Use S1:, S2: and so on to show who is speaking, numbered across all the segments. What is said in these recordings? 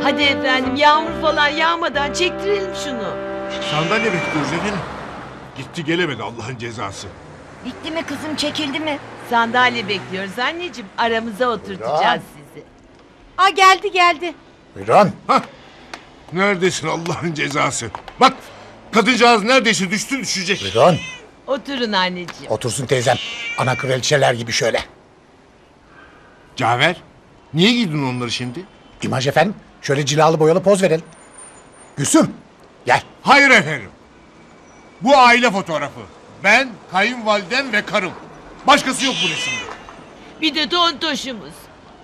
S1: Hadi efendim, yağmur falan yağmadan çektirelim şunu.
S2: Sandalye bekliyoruz efendim. Gitti gelemedi Allah'ın cezası.
S3: Bitti mi kızım, çekildi mi?
S1: Sandalye bekliyoruz anneciğim. Aramıza oturtacağız sizi.
S4: Aa, geldi.
S5: Buyurun.
S2: Hah. Neredesin Allah'ın cezası? Bak kadıncağız neredeyse düşecek.
S5: Buyurun.
S1: Oturun anneciğim.
S5: Otursun teyzem. Ana kraliçeler gibi şöyle.
S2: Cafer niye giydin onları şimdi?
S5: İmaj efendim. Şöyle cilalı boyalı poz verelim. Gülsüm. Gel.
S2: Hayır efendim. Bu aile fotoğrafı. Ben, kayınvalidem ve karım. Başkası yok bu resimde.
S1: Bir de tontoşumuz.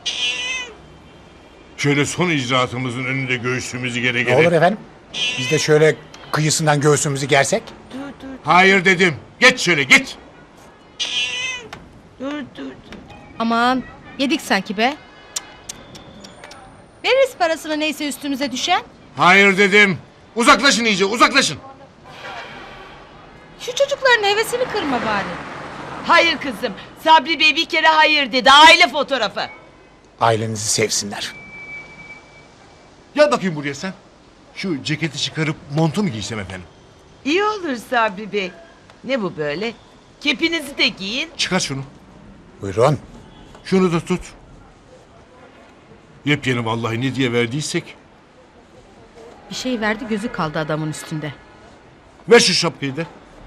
S2: Şöyle son icraatımızın önünde göğsümüzü gere
S5: Ne
S2: gere.
S5: olur efendim. Biz de şöyle kıyısından göğsümüzü gersek.
S1: Dur.
S2: Hayır dedim. Geç şöyle geç.
S1: Dur.
S4: Aman, yedik sanki be. Veririz parasını neyse üstümüze düşen.
S2: Hayır dedim. Uzaklaşın iyice uzaklaşın.
S4: Şu çocukların hevesini kırma bari.
S1: Hayır kızım. Sabri Bey bir kere hayır dedi. Aile fotoğrafı.
S5: Ailenizi sevsinler.
S2: Gel bakayım buraya sen. Şu ceketi çıkarıp montu mu giysem efendim?
S1: İyi olur Sabri Bey. Ne bu böyle? Kepinizi de giyin.
S2: Çıkar şunu.
S5: Buyurun.
S2: Şunu da tut. Yepyeni vallahi ne diye verdiysek.
S4: Bir şey verdi, gözü kaldı adamın üstünde.
S2: Ver şu şapkayı da.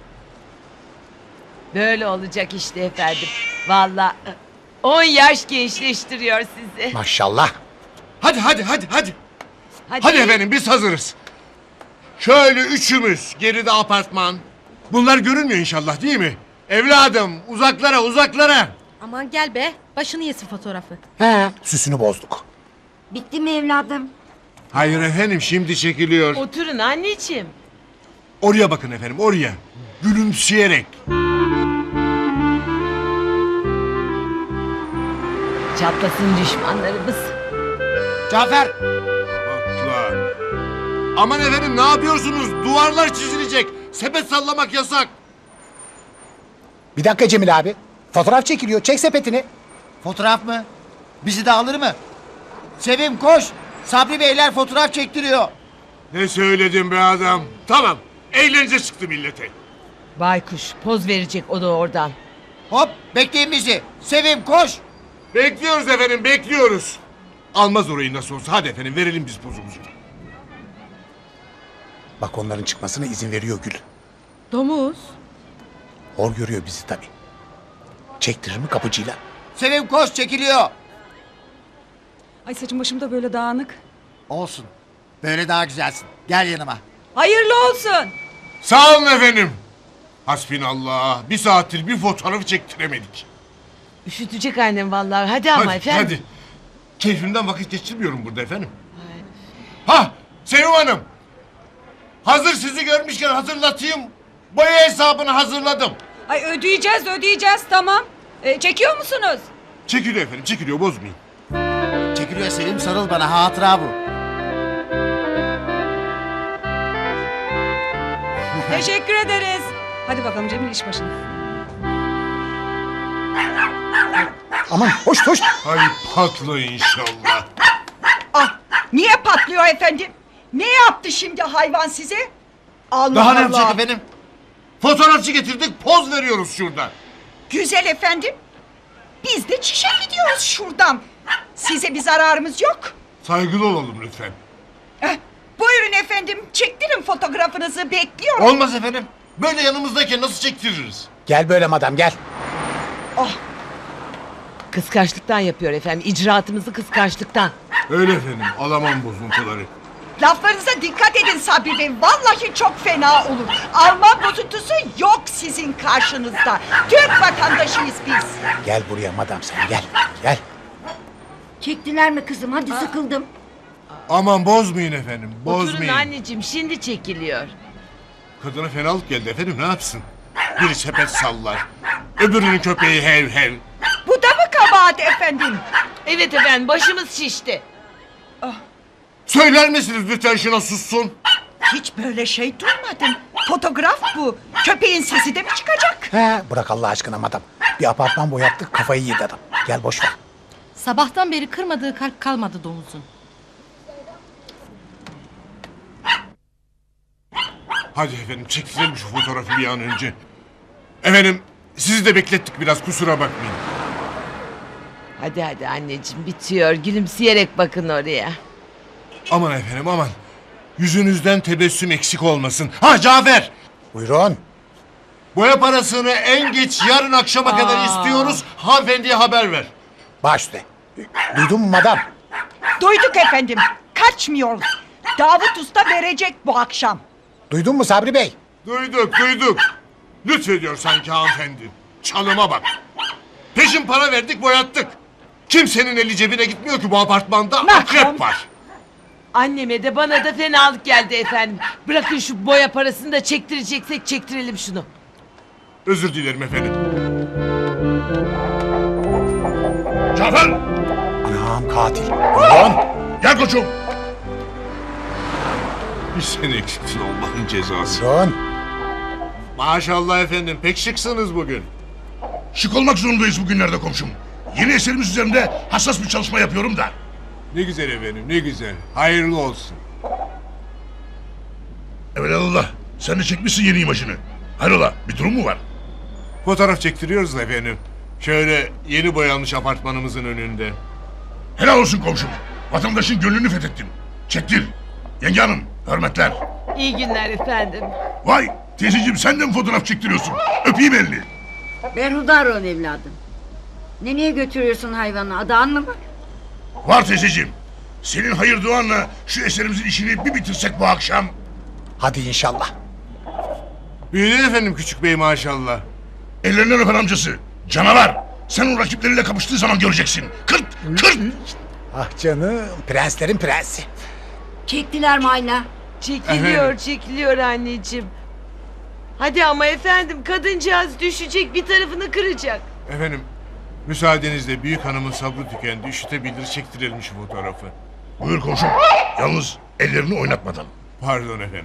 S1: Böyle olacak işte efendim. Vallahi 10 yaş gençleştiriyor sizi.
S5: Maşallah.
S2: Hadi. Hadi efendim biz hazırız. Şöyle üçümüz geride apartman. Bunlar görünmüyor inşallah değil mi? Evladım uzaklara.
S4: Aman gel be, başını yesin fotoğrafı.
S5: He. Süsünü bozduk.
S3: Bitti mi evladım?
S2: Hayır efendim şimdi çekiliyor.
S1: Oturun anneciğim.
S2: Oraya bakın efendim oraya. Gülümseyerek.
S1: Çatlasın düşmanlarımız.
S6: Cafer!
S2: Atla. Aman efendim ne yapıyorsunuz? Duvarlar çizilecek. Sepet sallamak yasak.
S5: Bir dakika Cemil abi. Fotoğraf çekiliyor. Çek sepetini.
S6: Fotoğraf mı? Bizi de alır mı? Sevim koş! Sabri Beyler fotoğraf çektiriyor.
S2: Ne söyledim be adam? Tamam. Eğlence çıktı millete.
S1: Baykuş poz verecek o da oradan.
S6: Hop bekleyin bizi. Sevim koş!
S2: Bekliyoruz efendim bekliyoruz. Almaz orayı nasıl olsa. Hadi efendim verelim biz pozumuzu.
S5: Bak onların çıkmasına izin veriyor Gül.
S4: Domuz.
S5: Hor görüyor bizi tabii. Çektirir mi kapıcıyla?
S6: Sevim koş çekiliyor.
S7: Ay saçım başım da böyle dağınık.
S6: Olsun. Böyle daha güzelsin. Gel yanıma.
S7: Hayırlı olsun.
S2: Sağ olun efendim. Hasbinallah. Bir saattir bir fotoğrafı çektiremedik.
S1: Üşütecek annem vallahi. Hadi ama efendim.
S2: Hadi. Keyfimden vakit geçirmiyorum burada efendim. Ha, Sevim Hanım. Hazır sizi görmüşken hatırlatayım. Boya hesabını hazırladım.
S7: Ay ödeyeceğiz tamam. Çekiyor musunuz?
S2: Çekiliyor efendim, çekiliyor bozmayın.
S6: Çekiliyor Sevim sarıl bana hatıra bu.
S7: Teşekkür ederiz. Hadi bakalım Cemil iş başına.
S5: Aman hoş.
S2: Hay patla inşallah.
S8: Ah, niye patlıyor efendim? Ne yaptı şimdi hayvan size? Allah
S2: Daha ne
S8: Allah.
S2: yapacak efendim? Fotoğrafçı getirdik, poz veriyoruz şurada.
S8: Güzel efendim. Biz de çişe gidiyoruz şuradan. Size bir zararımız yok.
S2: Saygılı olalım lütfen.
S8: Buyurun efendim, çektirin fotoğrafınızı, bekliyorum.
S2: Olmaz efendim. Böyle yanımızdayken nasıl çektiririz?
S5: Gel böyle madam gel.
S1: Kıskançlıktan yapıyor efendim. İcraatımızı kıskançlıktan.
S2: Öyle efendim, alamam bozuntuları.
S8: Laflarınıza dikkat edin Sabri Bey. Vallahi çok fena olur. Alman bozuntusu yok sizin karşınızda. Türk vatandaşıyız biz.
S5: Gel buraya madam sen gel.
S3: Çektiler mi kızım? Hadi sıkıldım.
S2: Aman bozmayın efendim,
S1: Oturun
S2: bozmayın.
S1: anneciğim şimdi çekiliyor.
S2: Kadına fenalık geldi efendim, ne yapsın? Biri sepet sallar, öbürünün köpeği hev.
S8: Bu da mı kabahat efendim?
S1: Evet efendim başımız şişti.
S2: Söyler misiniz lütfen şuna sussun?
S8: Hiç böyle şey duymadım. Fotoğraf bu. Köpeğin sesi de mi çıkacak?
S5: He, bırak Allah aşkına madam. Bir apartman boyattık kafayı yedi adam. Gel boş ver.
S4: Sabahtan beri kırmadığı kalp kalmadı domuzun.
S2: Hadi efendim çektirelim şu fotoğrafı bir an önce. Efendim sizi de beklettik biraz kusura bakmayın.
S1: Hadi hadi anneciğim bitiyor. Gülümseyerek bakın oraya.
S2: Aman efendim aman. Yüzünüzden tebessüm eksik olmasın. Ha Cafer!
S5: Buyurun.
S2: Boya parasını en geç yarın akşama kadar istiyoruz. Hanımefendiye haber ver.
S5: Baş üstüne. Duydun mu madam?
S8: Duyduk efendim. Kaçmıyoruz. Davut Usta verecek bu akşam.
S5: Duydun mu Sabri Bey?
S2: Duyduk. Lütfediyor sanki hanımefendi. Çalıma bak. Peşin para verdik boyattık. Kimsenin eli cebine gitmiyor ki bu apartmanda. Akrep var.
S1: Anneme de bana da fenalık geldi efendim. Bırakın şu boya parasını da çektireceksek çektirelim şunu.
S2: Özür dilerim efendim. Cafer!
S5: Anam katil. Buyurun.
S2: Gel koçum. Bir sen eksiksin Allah'ın cezası.
S5: Buyurun.
S2: Maşallah efendim pek şıksınız bugün.
S9: Şık olmak zorundayız bugünlerde komşum. Yeni eserimiz üzerinde hassas bir çalışma yapıyorum da.
S2: Ne güzel efendim ne güzel. Hayırlı olsun.
S9: Evelallah sen de çekmişsin yeni imajını. Hayrola bir durum mu var?
S2: Fotoğraf çektiriyoruz da efendim. Şöyle yeni boyanmış apartmanımızın önünde.
S9: Helal olsun komşum. Vatandaşın gönlünü fethettin. Çektir. Yenge hanım hürmetler.
S1: İyi günler efendim.
S9: Vay teyzeciğim sen de mi fotoğraf çektiriyorsun? Öpeyim elini.
S3: Berhudar ol evladım. Nereye götürüyorsun hayvanı? Adağın mı var?
S9: Var teyzeciğim. Senin hayır duanla şu eserimizin işini bir bitirsek bu akşam.
S5: Hadi inşallah.
S2: Büyüdün efendim küçük bey maşallah.
S9: Ellerinden öper amcası. Canavar. Sen o rakipleriyle kapıştığı zaman göreceksin. Kırt kırt.
S5: Ah canım. Prenslerin prensi.
S3: Çektiler mi hala?
S1: Çekiliyor anneciğim. Hadi ama efendim kadıncağız düşecek bir tarafını kıracak.
S2: Efendim müsaadenizle büyük hanımın sabrı tükendi. Üşütebilir çektirelim şu fotoğrafı.
S9: Buyur komşum. Yalnız ellerini oynatmadan.
S2: Pardon efendim.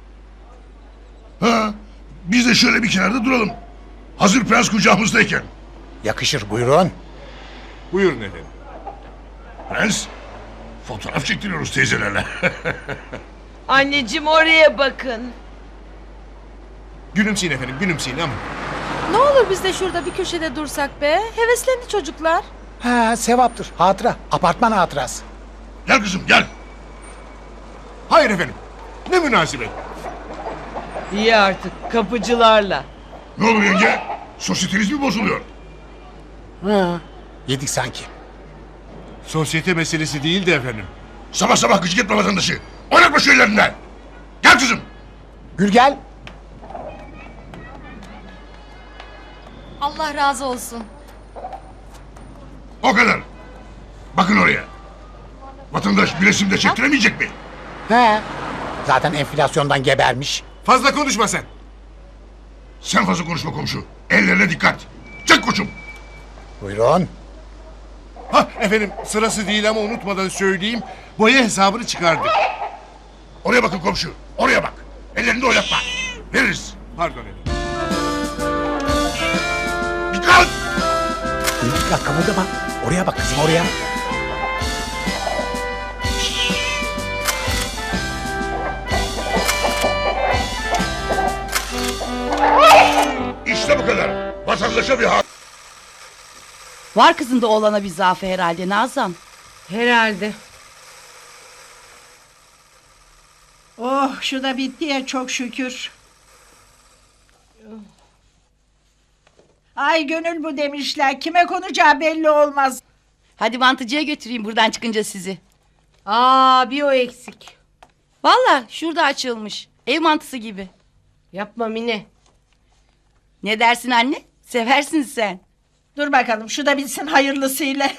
S9: Ha, biz de şöyle bir kenarda duralım. Hazır prens kucağımızdayken.
S5: Yakışır buyurun.
S2: Buyurun efendim.
S9: Prens, fotoğraf çektiriyoruz teyzelerle.
S1: Anneciğim oraya bakın.
S2: Gülümseyin efendim gülümseyin ama.
S4: Ne olur biz de şurada bir köşede dursak be. Heveslendi çocuklar.
S5: Ha sevaptır. Hatıra. Apartman hatırası.
S9: Gel kızım gel.
S2: Hayır efendim. Ne münasebet.
S1: İyi artık kapıcılarla.
S9: Ne olur yenge? Sosyeteniz mi bozuluyor?
S5: Ha. Yedik sanki.
S2: Sosyete meselesi değil de efendim.
S9: Sabah sabah gıcık etme vatandaşı. Oynatma şu ellerinden. Gel kızım.
S5: Gül gel.
S4: Allah razı olsun.
S9: O kadar. Bakın oraya. Vatandaş bir resim de çektiremeyecek mi?
S5: He. Zaten enflasyondan gebermiş.
S2: Fazla konuşma sen.
S9: Sen fazla konuşma komşu. Ellerine dikkat. Çek koçum.
S5: Buyurun.
S2: Ha efendim sırası değil ama unutmadan söyleyeyim. Boya hesabını çıkardık.
S9: Oraya bakın komşu. Oraya bak. Ellerini oynatma. Veririz.
S2: Pardon efendim.
S9: Dikkat.
S5: Dikkat kımıldama. Oraya bak kızım oraya.
S9: İşte bu kadar. Vatandaşa bir hak.
S7: Var kızında oğlana bir zaafı herhalde Nazan.
S4: Herhalde.
S8: Oh şu da bitti ya çok şükür. Ay gönül bu demişler. Kime konacağı belli olmaz.
S7: Hadi mantıcıya götüreyim buradan çıkınca sizi.
S4: Aa bir o eksik.
S7: Valla şurada açılmış. Ev mantısı gibi.
S4: Yapma Mine.
S7: Ne dersin anne? Seversin sen.
S8: Dur bakalım şu da bitsin hayırlısıyla.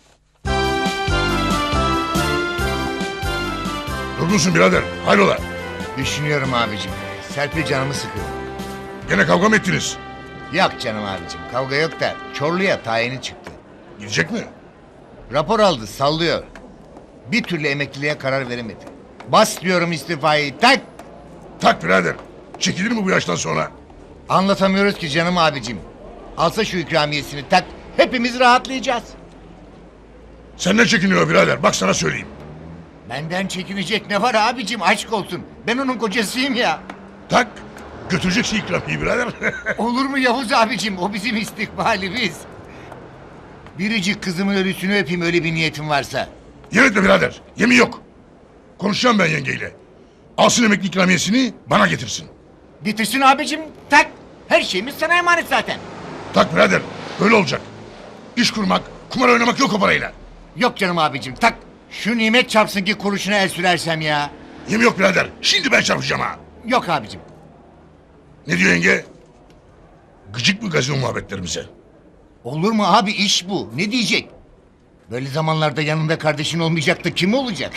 S9: Durgunsun birader. Hayrola?
S6: Düşünüyorum abicim. Serpil canımı sıkıyor.
S9: Gene kavga mı ettiniz?
S6: Yok canım abicim kavga yok da Çorlu'ya tayini çıktı.
S9: Gidecek mi?
S6: Rapor aldı sallıyor. Bir türlü emekliliğe karar veremedi. Bas diyorum istifayı tak.
S9: Tak birader. Çekilir mi bu yaştan sonra?
S6: Anlatamıyoruz ki canım abicim. Alsa şu ikramiyesini tak hepimiz rahatlayacağız.
S9: Senden çekiniyor birader. Bak sana söyleyeyim.
S6: Benden çekinecek ne var abicim aşk olsun. Ben onun kocasıyım ya.
S9: Tak. Götüreceksin ikramiyi birader.
S6: Olur mu Yavuz abicim? O bizim istikbalimiz. Biricik kızımın ölüsünü öpeyim öyle bir niyetim varsa.
S9: Yemin etme birader. Yemin yok. Konuşacağım ben yengeyle. Alsın emekli ikramiyesini bana getirsin.
S6: Getirsin abicim tak. Her şeyimiz sana emanet zaten.
S9: Tak birader. Öyle olacak. İş kurmak, kumar oynamak yok o parayla.
S6: Yok canım abicim tak. Şu nimet çarpsın ki kuruşuna el sürersem ya.
S9: Yemin yok birader. Şimdi ben çarpacağım ha.
S6: Yok abicim.
S9: Ne diyor yenge? Gıcık mı gazino muhabbetlerimize?
S6: Olur mu abi iş bu. Ne diyecek? Böyle zamanlarda yanında kardeşin olmayacak da kim olacak?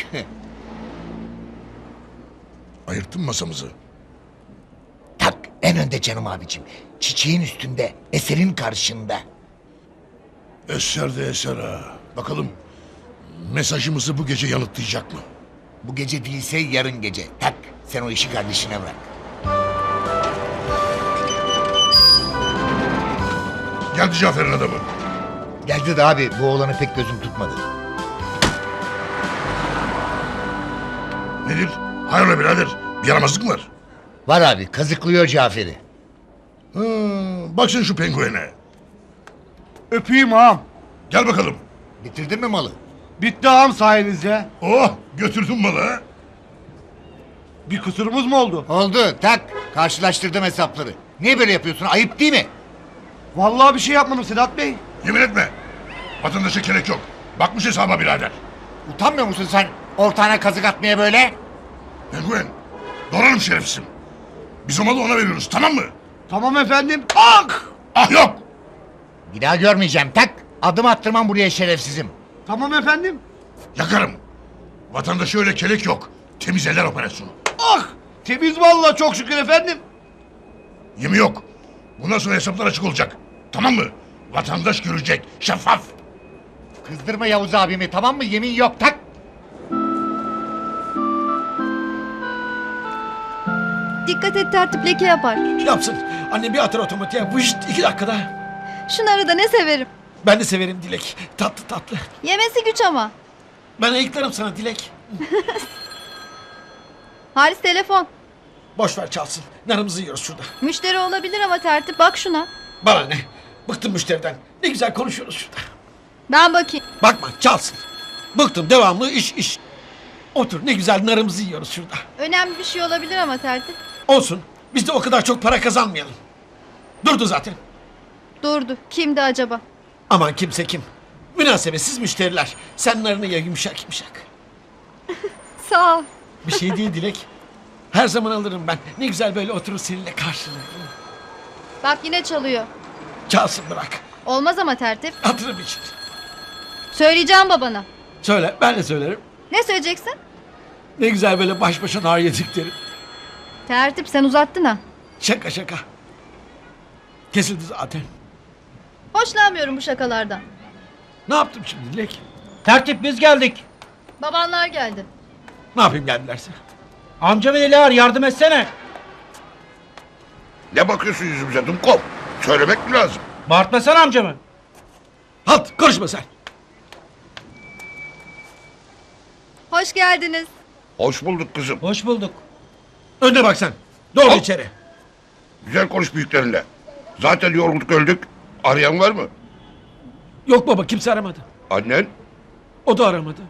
S9: Ayırttın masamızı.
S6: Tak en önde canım abicim. Çiçeğin üstünde, eserin karşında.
S9: Eser de eser ha. Bakalım mesajımızı bu gece yanıtlayacak mı?
S6: Bu gece değilse yarın gece. Tak sen o işi kardeşine bırak.
S9: Geldi Cafer'in adamı.
S6: Geldi de abi bu oğlanı pek gözüm tutmadı.
S9: Nedir? Hayrola birader? Bir yaramazlık mı var?
S6: Var abi kazıklıyor Cafer'i.
S9: Bak sen şu penguene.
S10: Öpeyim ağam.
S9: Gel bakalım.
S6: Bitirdin mi malı?
S10: Bitti ağam sayenizde.
S9: Oh götürdün malı ha.
S10: Bir kusurumuz mu oldu?
S6: Oldu tak karşılaştırdım hesapları. Niye böyle yapıyorsun ayıp değil mi?
S10: Vallahi bir şey yapmadım Sedat Bey.
S9: Yemin etme. Vatandaşa gerek yok. Bakmış hesaba birader.
S6: Utanmıyor musun sen ortağına kazık atmaya böyle?
S9: Penguen. Doğrarım şerefsizim. Biz o malı ona veriyoruz tamam mı?
S10: Tamam efendim. Ah!
S9: Ah yok.
S6: Bir daha görmeyeceğim tak. Adım attırmam buraya şerefsizim.
S10: Tamam efendim.
S9: Yakarım. Vatandaşa öyle kelek yok. Temiz eller operasyonu.
S10: Ah! Temiz vallahi çok şükür efendim.
S9: Yemin yok. Bundan sonra hesaplar açık olacak. Tamam mı? Vatandaş görecek. Şeffaf.
S6: Kızdırma Yavuz abimi tamam mı? Yemin yok tak.
S11: Dikkat et tertip leke yapar.
S10: Yapsın. Anne bir atar otomatiğe. Vışt 2 dakikada.
S11: Şunları da ne severim.
S10: Ben de severim Dilek. Tatlı tatlı.
S11: Yemesi güç ama.
S10: Ben ayıklarım sana Dilek.
S11: Halis telefon.
S10: Boş ver çalsın. Narımızı yiyoruz şurada.
S11: Müşteri olabilir ama tertip bak şuna.
S10: Bana ne? Bıktım müşteriden. Ne güzel konuşuyoruz şurada.
S11: Ben bakayım.
S10: Bakma çalsın. Bıktım devamlı iş. Otur ne güzel narımızı yiyoruz şurada.
S11: Önemli bir şey olabilir ama tertip.
S10: Olsun. Biz de o kadar çok para kazanmayalım. Durdu zaten.
S11: Durdu. Kimdi acaba?
S10: Aman kimse kim. Münasebetsiz müşteriler. Sen narını ye yumuşak yumuşak.
S11: Sağ ol.
S10: Bir şey değil Dilek. Her zaman alırım ben. Ne güzel böyle oturur seninle karşılıklı.
S11: Bak yine çalıyor.
S10: Çalsın bırak.
S11: Olmaz ama tertip.
S10: Hatırım için.
S11: Söyleyeceğim babana.
S10: Söyle ben de söylerim.
S11: Ne söyleyeceksin?
S10: Ne güzel böyle baş başa nar yedik derim.
S11: Tertip sen uzattın ha.
S10: Şaka şaka. Kesildi zaten.
S11: Hoşlanmıyorum bu şakalardan.
S10: Ne yaptım şimdi Dilek? Tertip biz geldik.
S11: Babanlar geldi.
S10: Ne yapayım geldilerse?
S5: Amca ve Dilar yardım etsene.
S9: Ne bakıyorsun yüzümüze Dumkov? Söylemek mi lazım?
S5: Bağırtmasana amcamı.
S10: Halt konuşma sen.
S11: Hoş geldiniz.
S9: Hoş bulduk kızım.
S5: Hoş bulduk.
S10: Önüne bak sen. Doğru
S9: Al.
S10: içeri.
S9: Güzel konuş büyüklerinle. Zaten yorulduk öldük. Arayan var mı?
S10: Yok baba kimse aramadı.
S9: Annen?
S10: O da aramadı.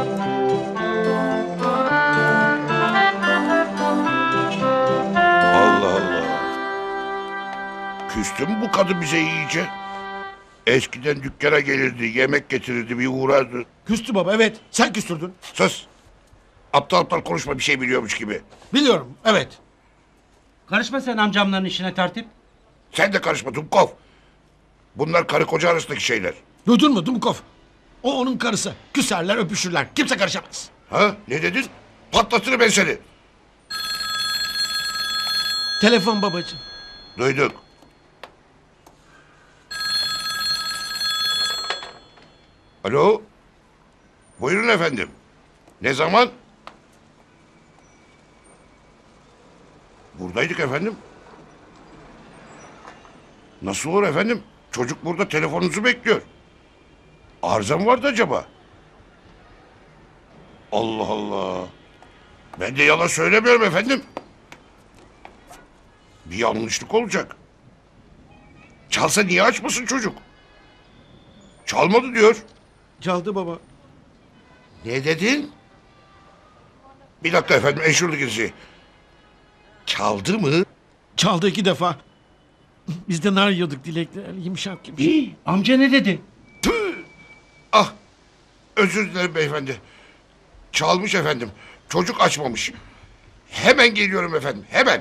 S9: Allah Allah. Küstü mü bu kadın bize iyice? Eskiden dükkana gelirdi, yemek getirirdi, bir uğrardı.
S10: Küstü baba evet. Sen küstürdün.
S9: Sus! Aptal aptal konuşma bir şey biliyormuş gibi.
S10: Biliyorum evet.
S5: Karışma sen amcamların işine tertip.
S9: Sen de karışma Dumkov. Bunlar karı koca arasındaki şeyler.
S10: Duydun mu Dumkov? O onun karısı. Küserler öpüşürler. Kimse karışamaz.
S9: Ha? Ne dedin? Patlatırım ben seni.
S10: Telefon babacığım.
S9: Duyduk. Alo? Buyurun efendim. Ne zaman? Buradaydık efendim. Nasıl olur efendim? Çocuk burada telefonunuzu bekliyor. Arıza mı vardı acaba? Allah Allah. Ben de yalan söylemiyorum efendim. Bir yanlışlık olacak. Çalsa niye açmasın çocuk? Çalmadı diyor.
S10: Çaldı baba.
S9: Ne dedin? Bir dakika efendim, eşurluk izi. Çaldı mı?
S10: Çaldı 2 defa. Biz de nar yiyorduk Dilek'le. Yumuşak gibi.
S6: Amca ne dedi?
S9: Tüh! Ah! Özür dilerim beyefendi. Çalmış efendim. Çocuk açmamış. Hemen geliyorum efendim, hemen.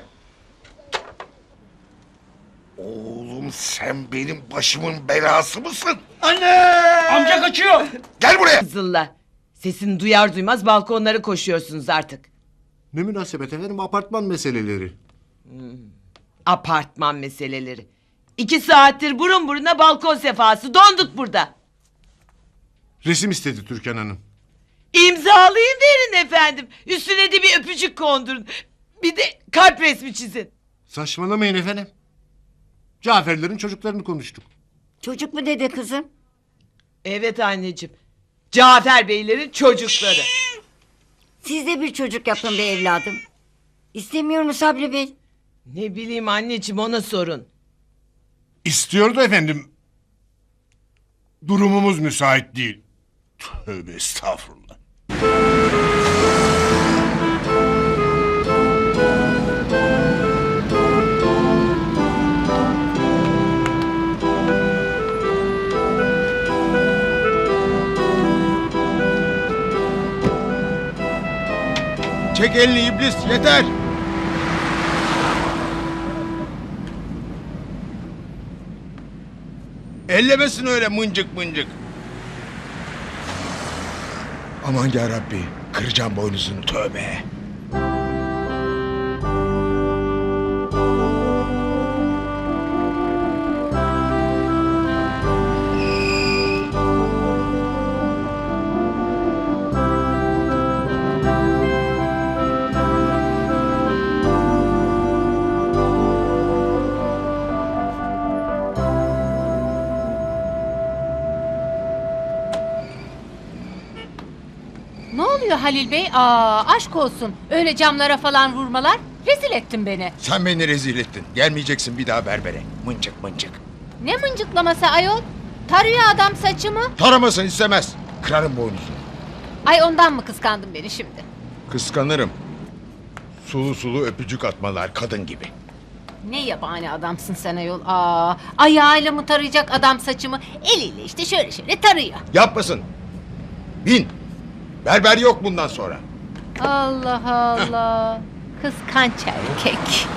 S9: Oğlum sen benim başımın belası mısın?
S6: Amca kaçıyor.
S9: Gel buraya.
S1: Kızıllar. Sesini duyar duymaz balkonlara koşuyorsunuz artık.
S2: Ne münasebet efendim, apartman meseleleri.
S1: Apartman meseleleri. 2 saattir burun buruna balkon sefası. Donduk burada.
S2: Resim istedi Türkan Hanım.
S1: İmzalayın verin efendim. Üstüne de bir öpücük kondurun. Bir de kalp resmi çizin.
S2: Saçmalamayın efendim. Caferlerin çocuklarını konuştuk.
S3: Çocuk mu dedi kızım?
S1: Evet anneciğim. Cafer Beylerin çocukları.
S3: Siz de bir çocuk yapın be evladım. İstemiyor mu Sabri Bey?
S1: Ne bileyim anneciğim, ona sorun.
S2: İstiyordu efendim. Durumumuz müsait değil. Tövbe estağfurullah.
S9: Çek elini iblis, yeter. Ellemesin öyle mıncık mıncık. Aman yarabbi, kıracağım boynuzunu, tövbe.
S7: Ne oluyor Halil Bey? Aa, aşk olsun. Öyle camlara falan vurmalar. Rezil ettin beni.
S9: Sen beni rezil ettin. Gelmeyeceksin bir daha berbere. Mıncık mıncık.
S7: Ne mıncıklaması ayol? Tarıyor adam saçımı.
S9: Taramasın istemez. Kırarım boynuzunu.
S7: Ay ondan mı kıskandın beni şimdi?
S9: Kıskanırım. Sulu sulu öpücük atmalar kadın gibi.
S7: Ne yabani adamsın sen ayol. Aa, ayağıyla mı tarayacak adam saçımı? Eliyle işte şöyle şöyle tarıyor.
S9: Yapmasın. Bin. Berber yok bundan sonra.
S7: Allah Allah. Kıskanç erkek.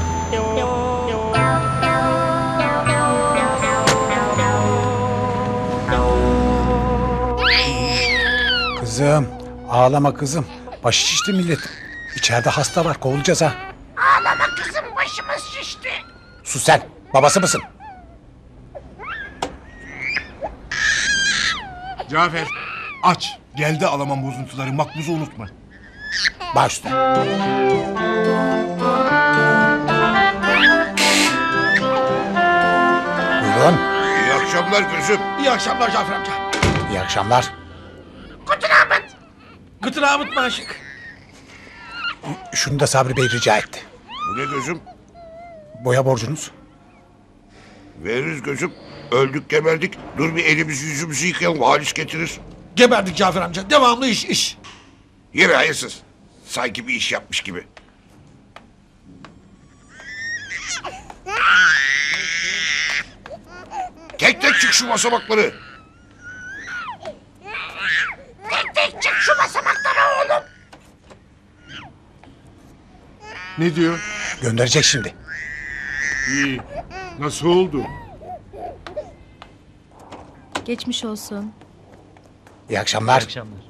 S5: Kızım ağlama kızım. Başı şişti millet. İçeride hasta var, kovulacağız ha.
S8: Ağlama kızım, başımız şişti.
S5: Sus sen, babası mısın?
S2: Cafer aç. Geldi alamam bozuntuları, makbuzu unutma.
S5: Baş üstüne. Buyurun.
S9: İyi akşamlar gözüm.
S10: İyi akşamlar Cafer amca.
S5: İyi akşamlar.
S10: Gıtır Ahmet Maşık.
S5: Şunu da Sabri Bey rica etti.
S9: Bu ne gözüm?
S5: Boya borcunuz.
S9: Veririz gözüm. Öldük geberdik. Dur bir elimizi yüzümüzü yıkayalım. Halis getirir.
S10: Geberdik Cafer amca. Devamlı iş.
S9: Yürü hayırsız. Sanki bir iş yapmış gibi. Tek tek çık şu basamakları.
S8: Çık şu basamaklara oğlum.
S2: Ne diyor?
S5: Gönderecek şimdi.
S2: İyi. Nasıl oldu?
S4: Geçmiş olsun.
S5: İyi akşamlar.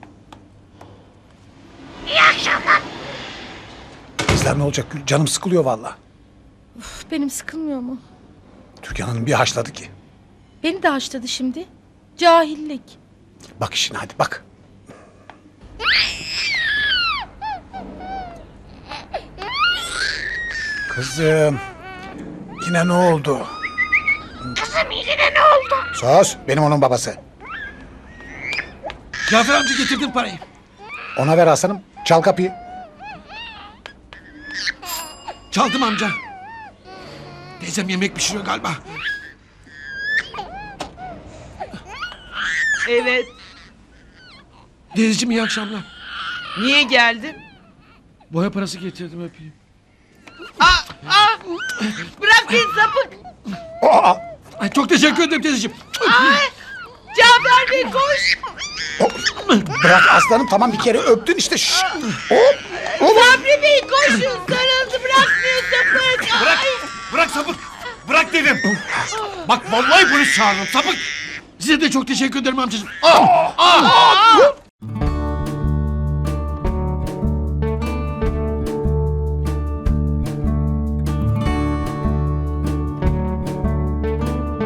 S8: İyi akşamlar.
S5: Kızlar ne olacak Gül? Canım sıkılıyor valla.
S4: Üf, benim sıkılmıyor mu?
S5: Türkan Hanım bir haşladı ki.
S4: Beni de haşladı şimdi. Cahillik.
S5: Bak işine hadi bak. Kızım. Yine ne oldu?
S8: Kızım yine ne oldu?
S5: Sus. Benim onun babası.
S10: Cafer amca getirdin parayı.
S5: Ona ver aslanım. Çal kapıyı.
S10: Çaldım amca. Teyzem yemek pişiriyor galiba.
S1: Evet.
S10: Teyzeciğim iyi akşamlar.
S1: Niye geldin?
S10: Boya parası getirdim öpeyim.
S1: Bırak beni sapık.
S10: Ay, çok teşekkür ederim teyzeciğim.
S1: Cafer Bey koş.
S5: Bırak aslanım, tamam bir kere öptün işte. Şşş.
S1: Sabri Bey koşun. Sarıldı bırakmıyor sapık.
S2: Bırak. Bırak sapık. Bırak dedim. Bak vallahi polis çağırırım sapık.
S10: Size de çok teşekkür ederim amcacığım.